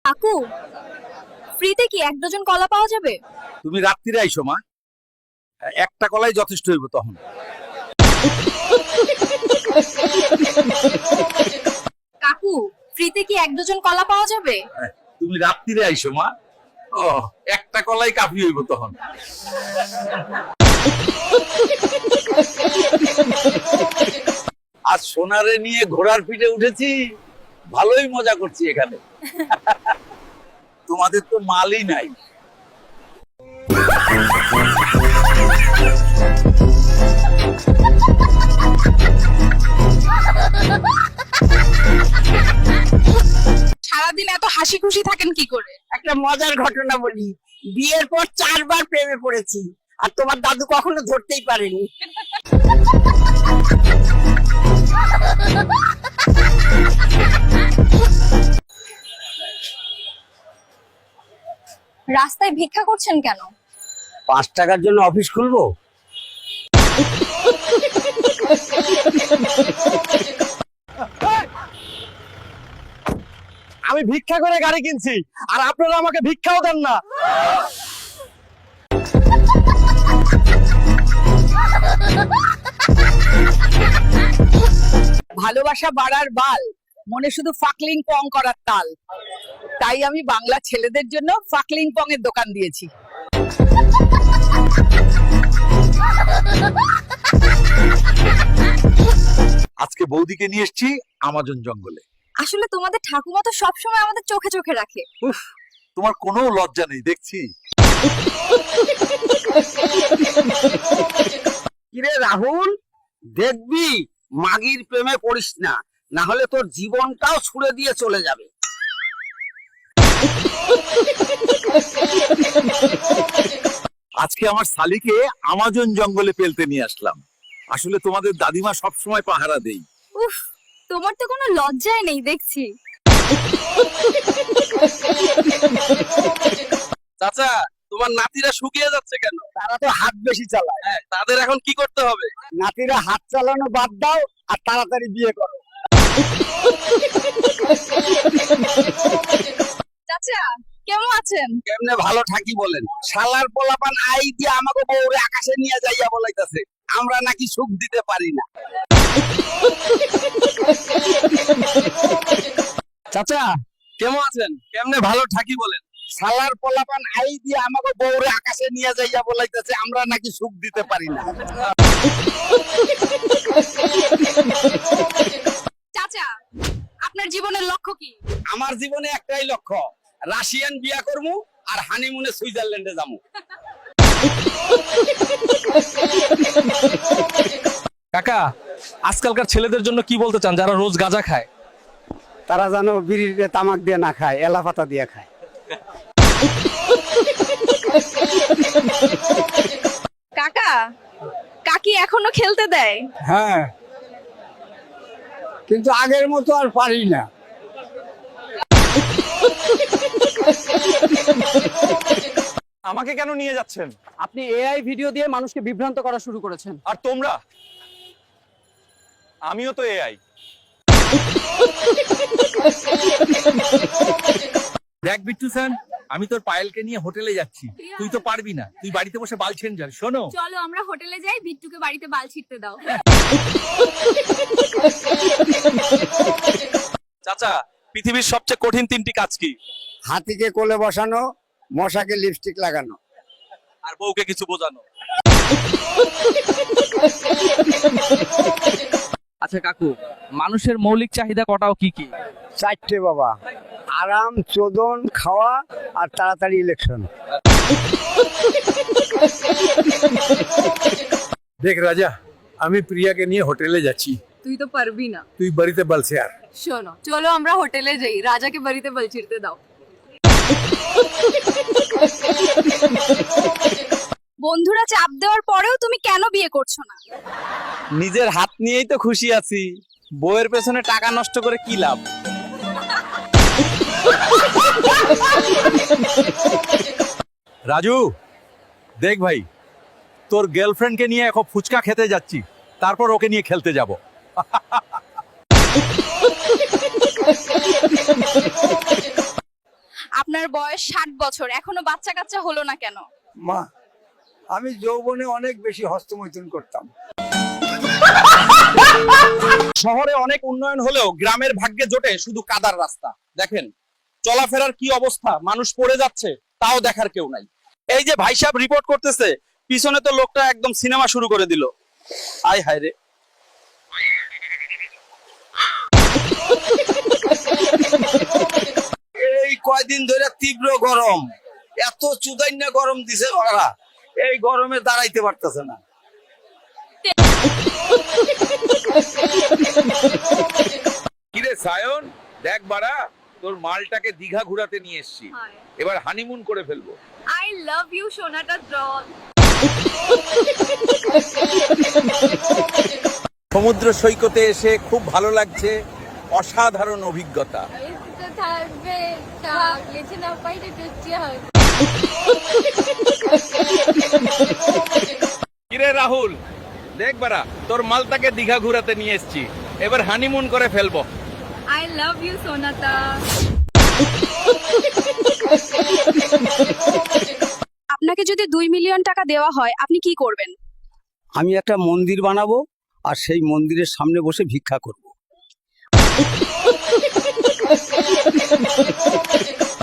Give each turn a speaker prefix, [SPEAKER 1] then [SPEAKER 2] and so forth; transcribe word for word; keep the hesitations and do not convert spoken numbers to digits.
[SPEAKER 1] কাকু, ফ্রিতে কি এক ডজন কলা পাওয়া যাবে?
[SPEAKER 2] তুমি রাত্রিরে আইসো মা, একটা কলাই যথেষ্ট হইব তখন।
[SPEAKER 1] কাকু, ফ্রিতে কি এক ডজন কলা পাওয়া যাবে?
[SPEAKER 2] তুমি রাত্রিরে আইসো মা, ও একটা কলাই কাফি হইব তখন। আজ সোনারে নিয়ে ঘোড়ার পিঠে উঠেছি, ভালোই মজা করছি এখানে। তোমাদের তো মালই নাই।
[SPEAKER 1] সারাদিন এত হাসি খুশি থাকেন কি করে?
[SPEAKER 3] একটা মজার ঘটনা বলি। বিয়ের পর চারবার প্রেমে পড়েছি, আর তোমার দাদু কখনো ধরতেই পারেনি।
[SPEAKER 1] রাস্তায় ভিক্ষা করছেন কেন?
[SPEAKER 3] পাঁচ টাকার জন্য অফিস খুলবো?
[SPEAKER 4] আমি ভিক্ষা করে গাড়ি কিনছি, আর আপনারা আমাকে ভিক্ষাও দেন না।
[SPEAKER 3] ভালোবাসা বাড়ার বাল, মনে শুধু ফাকলিং পং করার তাল। তাই আমি বাংলা ছেলেদের জন্য ফাকলিং পং এর দোকান দিয়েছি।
[SPEAKER 2] আজকে বৌদিকে নিয়ে এসেছি আমাজন জঙ্গলে।
[SPEAKER 1] আসলে তোমাদের ঠাকুমা তো সবসময় আমাদের চোখে চোখে রাখে।
[SPEAKER 2] উফ, তোমার কোনো লজ্জা নেই দেখছি।
[SPEAKER 3] কিরে রাহুল, দেখবি মাগির প্রেমে পড়িস না, না হলে তোর জীবনটাও ছুড়ে দিয়ে চলে যাবে।
[SPEAKER 2] আজকে আমার শালিকে আমাজন জঙ্গলে পেলতে নিয়ে আসলাম। আসলে তোমাদের দাদিমা সবসময় পাহারা দেই।
[SPEAKER 1] উফ, তোমার তো কোনো লজ্জাই নেই দেখছি।
[SPEAKER 4] চাচা, তোমার নাতিরা শুকিয়ে যাচ্ছে কেন?
[SPEAKER 3] তারা তো হাত বেশি চালায়।
[SPEAKER 4] হ্যাঁ, তাদের এখন কি করতে হবে?
[SPEAKER 3] নাতিরা হাত চালানো বাদ দাও আর তাড়াতাড়ি বিয়ে করো।
[SPEAKER 1] চাচা, কেমন আছেন?
[SPEAKER 3] কেমনে ভালো থাকি বলেন? শালার পোলাপান আই দিয়ে আমাকে বউরে আকাশে নিয়ে যাইয়া বলাইতাছে আমরা নাকি সুখ দিতে পারি না।
[SPEAKER 4] চাচা, কেমন আছেন? কেমনে ভালো থাকি বলেন?
[SPEAKER 3] শালার পোলাপান আই দিয়ে আমাকে বউরে আকাশে নিয়ে যাইয়া বলাইতাছে আমরা নাকি সুখ দিতে পারি না।
[SPEAKER 1] চাচা, আপনার জীবনের লক্ষ্য কি?
[SPEAKER 3] আমার জীবনে একটাই লক্ষ্য, রাশিয়ান বিয়া করবো আর হানিমুনে সুইজারল্যান্ডে যাবো।
[SPEAKER 4] কাকা, আজকালকার ছেলেদের জন্য কি বলতে চান যারা রোজ গাঁজা খায়?
[SPEAKER 5] তারা যেন বিড়ির তামাক দিয়ে না খায়, এলা পাতা দিয়ে খায়।
[SPEAKER 1] কাকা, কাকি এখনো খেলতে দেয়?
[SPEAKER 5] হ্যাঁ, কিন্তু আগের মতো আর পারি না।
[SPEAKER 4] আমাকে কেন নিয়ে যাচ্ছেন?
[SPEAKER 6] আপনি এআই ভিডিও দিয়ে মানুষকে বিভ্রান্ত করা শুরু করেছেন।
[SPEAKER 4] আর তোমরা? আমিও তো এআই।
[SPEAKER 2] দেখ বিট্টু স্যার, আমি তোর পায়েলকে নিয়ে হোটেলে যাচ্ছি। তুই তো পারবি না, তুই বাড়িতে বসে বাল ছেন যান। শোনো,
[SPEAKER 1] চলো আমরা হোটেলে যাই, বিট্টুকে বাড়িতে বাল ছিটতে দাও।
[SPEAKER 4] চাচা, পৃথিবীর সবচেয়ে কঠিন তিনটি কাজ কি?
[SPEAKER 5] হাতিকে কোলে বসানো, মশাকে লিপস্টিক লাগানো,
[SPEAKER 4] আর বউকে কিছু বোঝানো।
[SPEAKER 6] আচ্ছা কাকু, মানুষের মৌলিক চাহিদা কটাও কি কি?
[SPEAKER 5] চারটে বাবা, আরাম, চোদন, খাওয়া আর তাড়াতাড়ি ইলেকশন।
[SPEAKER 2] দেখ রাজা, আমি প্রিয়াকে নিয়ে হোটেলে যাচ্ছি।
[SPEAKER 1] তুই তো পারবি না।
[SPEAKER 2] তুই বাড়িতে বলছে আর।
[SPEAKER 1] শোনো, চলো আমরা হোটেলে যাই, রাজাকে বাড়িতে বাল ছিড়তে দাও। বন্ধুরা চাপ দেওয়ার পরেও তুমি কেন বিয়ে করছো না?
[SPEAKER 4] নিজের হাত নিয়েই তো খুশি আছি, বউয়ের পেছনে টাকা নষ্ট করে কি লাভ?
[SPEAKER 2] রাজু, দেখ ভাই, তোর গার্লফ্রেন্ডকে নিয়ে এখন ফুচকা খেতে যাচ্ছি, তারপর ওকে নিয়ে খেলতে যাব।
[SPEAKER 1] আপনার বয়স ষাট বছর এখনো বাচ্চা কাচ্চা হলো না কেন?
[SPEAKER 5] মা, আমি যৌবনে অনেক বেশি হস্তমৈথুন করতাম।
[SPEAKER 4] শহরে অনেক উন্নয়ন হলেও গ্রামের ভাগ্যে জোটে শুধু কাদার রাস্তা। দেখেন চলাফেরার কি অবস্থা, মানুষ পড়ে যাচ্ছে তাও দেখার কেউ নাই। এই যে ভাই সাহেব রিপোর্ট করতেছে, পিছনে তো লোকটা একদম সিনেমা শুরু করে দিল। আয় হায় রে।
[SPEAKER 5] এই কয়দিন ধরে তীব্র গরম, এত চুদাইন্না গরম দিছে ওরা, এই গরমে দাঁড়াইতে পারতেছে না।
[SPEAKER 7] কিরে সায়ন, দেখ বাড়া, তোর মালটাকে দীঘা ঘুরাতে নিয়ে এসেছি, এবার হানিমুন করে ফেলবো।
[SPEAKER 1] আই লাভ ইউ সোনাটা ডল।
[SPEAKER 2] সমুদ্র সৈকতে এসে খুব ভালো লাগছে, অসাধারণ অভিজ্ঞতা।
[SPEAKER 1] থাকবে থাকলে না পাইলে দেখতে হবে।
[SPEAKER 7] কিরে রাহুল, দেখ বাড়া, তোর মালটাকে দীঘা ঘুরাতে নিয়ে এসেছি, এবার হানিমুন করে ফেলবো।
[SPEAKER 1] আই লাভ ইউ সোনাটা। আপনাকে যদি দুই মিলিয়ন টাকা দেওয়া হয় আপনি কি করবেন?
[SPEAKER 5] আমি একটা মন্দির বানাবো আর সেই মন্দিরের সামনে বসে ভিক্ষা করব।